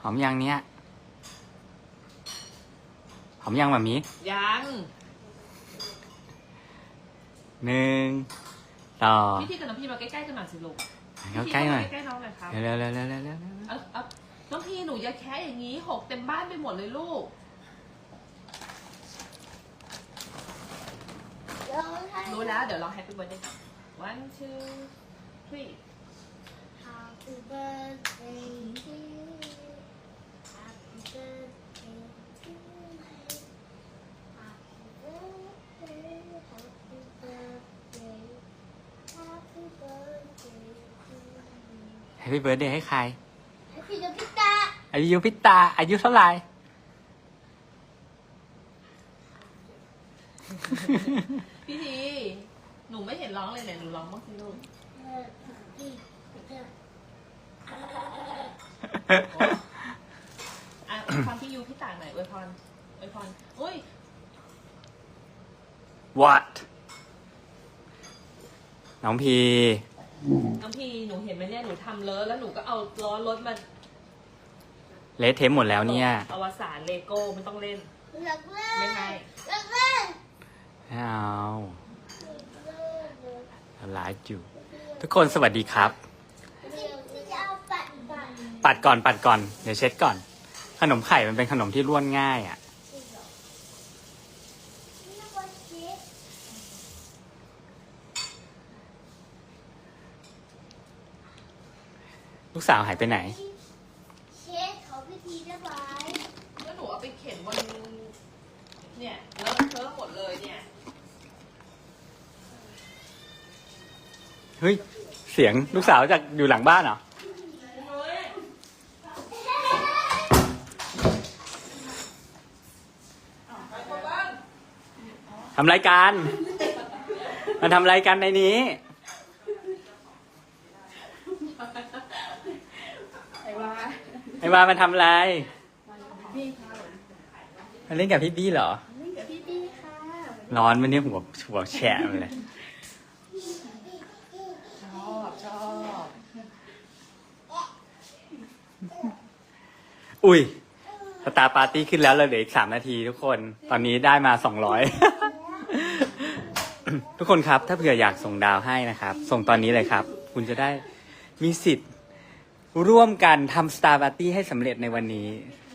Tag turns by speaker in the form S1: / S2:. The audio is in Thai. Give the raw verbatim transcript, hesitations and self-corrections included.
S1: อมยังเนี้ยหอมยังแบบนี้
S2: ยัง
S1: หนึ่งต่อ
S2: พี่ที่กับน้องพี่มาใกล้ๆกันหน่อยสิลูก
S1: เข้าใกล้หน่อย
S2: ใกล้ๆน้องหน่อยครับ
S1: เร็วเร็วเร็วเร็วเร็ว
S2: เอาเอาน้องพี่หนูอย่าแค่อย่างนี้หกเต็มบ้านไปหมดเลยลูกรู้แล้วเดี๋ยวลอง Happy Birthday one two three
S3: Happy birthday to you. Happy birthday to you. Happy birthday, happy birthday, happy birthday to you.
S1: แฮปปี้เบิร์ดเดย์ให้ใคร
S3: Happy birthday.
S1: อายุพิตาอายุเท่าไหร่
S2: พี่ทีหนูไม่เห็นร้องเลยเนี่ยหนูร้องบ้างสิลูกอ่ะอวยพรพี่ยูพี่ต่างหน่อยอวยพรอวยพรอุ้ย
S1: What น้องพี
S2: น้องพี่หนูเห็นไหมเนี่ยหนูทำเลอะแล้วหนูก็เอาล้อรถมา
S1: เละเทมหมดแล้วเนี่ย
S2: อวสานเลโก้ไม่ต้องเล่น
S3: รักเล่น
S2: ไม่ให้
S3: รักเล่น
S1: ไม่เอาหลายจูทุกคนสวัสดีครับ
S3: จะเอาปัดปัด
S1: ปัดก่อนปัดก่อนเดี๋ยวเช็ดก่อน ขนมไข่มันเป็นขนมที่ร่วนง่ายอ่ะ
S3: นี่ก็เช็ด
S1: ลูกสาวหายไปไหน
S3: เช็ดขอพิธีได้ไหม
S2: แล้วหนูเอาไปเข็นบนเนี่ยแล้วเพิ่มหมดเลยเนี่ย
S1: เฮ้ย เสียงลูกสาวจากอยู่หลังบ้านเหรอ ทำรายการมันทำรายการในนี้
S2: ไอ้ว่า
S1: ไอ้วามันทำอะไรมันเล่นกับพี่บี้เหรอ
S3: นี่กับพี่พี่ค่ะ
S1: ร้อนวันนี้หัวหัวแฉะเลย
S2: ชอบชอบ
S1: อุ้ยสตาร์ปาร์ตี้ขึ้นแล้วเราเหลืออีกสามนาทีทุกคน ตอนนี้ได้มาสองร้อย ทุกคนครับ ถ้าเผื่ออยากส่งดาวให้นะครับ ส่งตอนนี้เลยครับ คุณจะได้มีสิทธิ์ร่วมกันทำสตาร์ปาร์ตี้ให้สำเร็จในวันนี้